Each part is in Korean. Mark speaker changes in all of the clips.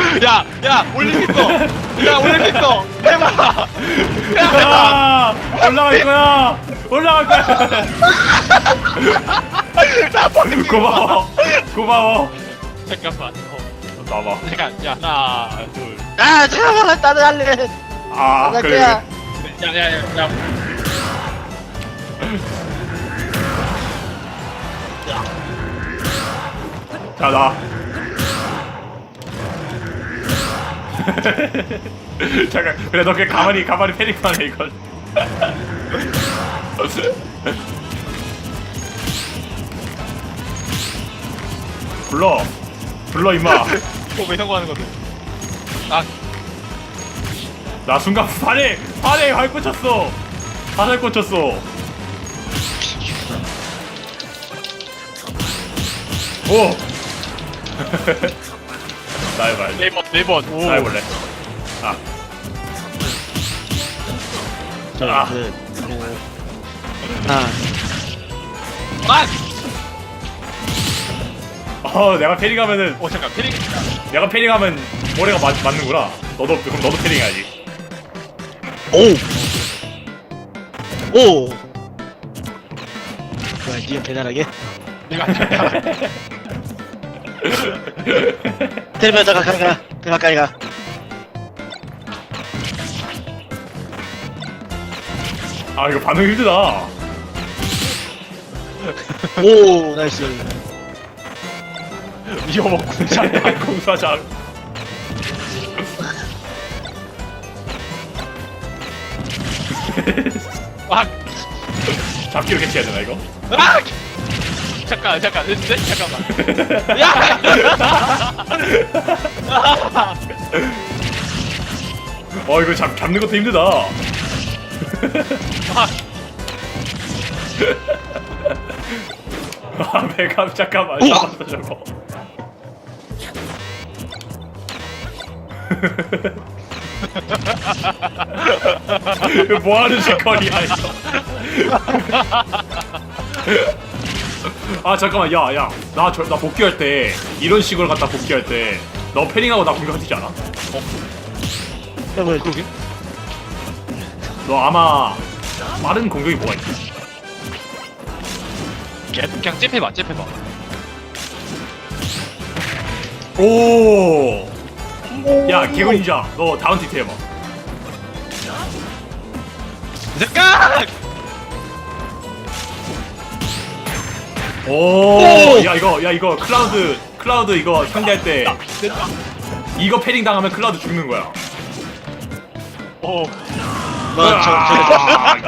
Speaker 1: 야, 올릴 수 있어. 야, 올릴 수 있어. 해봐.
Speaker 2: 야, 올라갈 거야. 올라갈 거야. 고마워. 고마워.
Speaker 1: 잠깐만.
Speaker 2: 나봐.
Speaker 1: 잠깐. 야, 하나, 둘.
Speaker 3: 아 잠깐만 나도 할래.
Speaker 2: 아,
Speaker 3: 나
Speaker 2: 그래.
Speaker 3: 거야.
Speaker 1: 야.
Speaker 2: 자, 나. 잠깐. 그래, 너 그냥 가만히 패닉만 해, 이걸. 불러, 임마.
Speaker 1: 왜 성공하는 건데? 아,
Speaker 2: 나 순간 발에 발 꽂혔어. 화살 꽂혔어. 오. 나 해봐.
Speaker 1: 네 번. 오.
Speaker 2: 나 해볼래. 아. 아.
Speaker 3: 아
Speaker 1: 아!
Speaker 2: 내가 패링하면은
Speaker 1: 잠깐. 패링.
Speaker 2: 내가 패링하면 머리가 맞는구나. 그럼 너도 패링해야지.
Speaker 3: 오. 뭐야 니가 배달하게?
Speaker 1: 내가 안 된다.
Speaker 3: 테레비전 가 가까이 가.
Speaker 2: 아 이거 반응 힘들다.
Speaker 3: 오 나이스.
Speaker 1: 이거 뭐 공장.
Speaker 2: 공사장.
Speaker 1: 아!
Speaker 2: 잡기로 캐치해야 되나 이거?
Speaker 1: 아! 잠깐. 됐는데? 잠깐만. 야!
Speaker 2: 이거 잡는 것도 힘들다. 배감 잠깐만 잡았어 저거. 이거 뭐하는 짓거리야 이거. 아 잠깐만 야야 나 복귀할 때 이런 식으로 갖다 복귀할 때 너 패링하고 나 공격하지 않아?
Speaker 3: 형을
Speaker 1: 그러게?
Speaker 2: 너 아마 빠른 공격이 뭐가 있지?
Speaker 1: 그냥 잽해봐.
Speaker 2: 오! 야 개구인자 너 다운 티트 해봐.
Speaker 1: 잠깐!
Speaker 2: 오! 야 이거 클라우드 이거 상대할 때 이거 패링 당하면 클라우드 죽는 거야.
Speaker 1: 오.
Speaker 2: 아,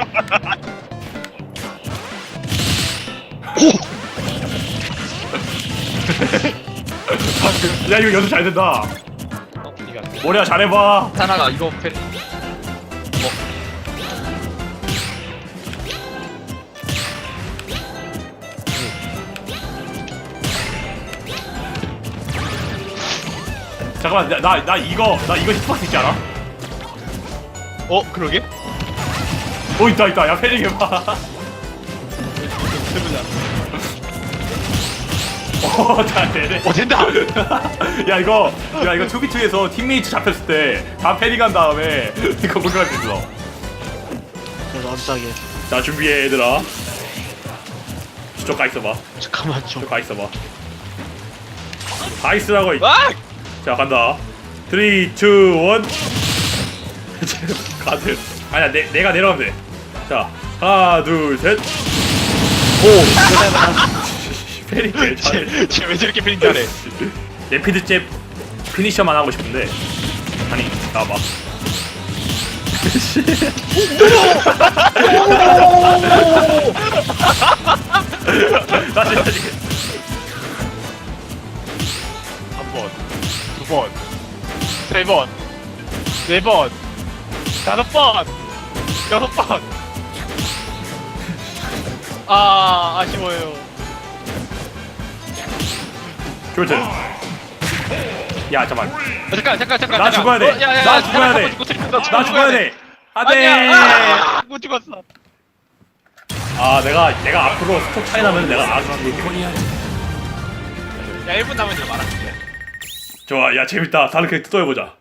Speaker 2: 야 이거 연습 잘 된다.
Speaker 1: 니가
Speaker 2: 머리야 잘해봐.
Speaker 1: 하나가 이거 패.
Speaker 2: 잠깐만 나 이거 히트박스 있지 않아?
Speaker 1: 그러게?
Speaker 2: 있다 야 패링 해봐. 잘 되네.
Speaker 1: 된다.
Speaker 2: 야 이거 2v2에서 팀메이트 잡혔을 때 다 패링한 다음에 이거 공격할 수 있어.
Speaker 3: 깜짝이야.
Speaker 2: 자 준비해 얘들아. 저쪽 가 있어봐.
Speaker 3: 잠깐만
Speaker 2: 저쪽 가 있어봐. 가 있으라고.
Speaker 1: 아!
Speaker 2: 자 간다. 3, 2, 1. 가드. 아니야 내가 내려가면 돼. 자 하나 둘 셋. 패링 개 잘해.
Speaker 1: 쟤왜 저렇게 패링 잘해?
Speaker 2: 레피드 잽 피니셔만 하고 싶은데 아니 나와봐. 다시
Speaker 1: 한 번, 두 번, 세 번, 네 번, 다섯 번, 여섯 번. 아쉬워요.
Speaker 2: 교체. 야 잠깐.
Speaker 1: 잠깐.
Speaker 2: 나 죽어야 돼. 나 죽어야 돼. 나 죽어야 돼. 안돼.
Speaker 1: 아니야. 못 죽었어.
Speaker 2: 내가 앞으로 스톱 차이 나면 내가 알아서 죽을게.
Speaker 1: 야 1분 남았는데 말할게.
Speaker 2: 좋아 야 재밌다 다른 캐릭터 또 해보자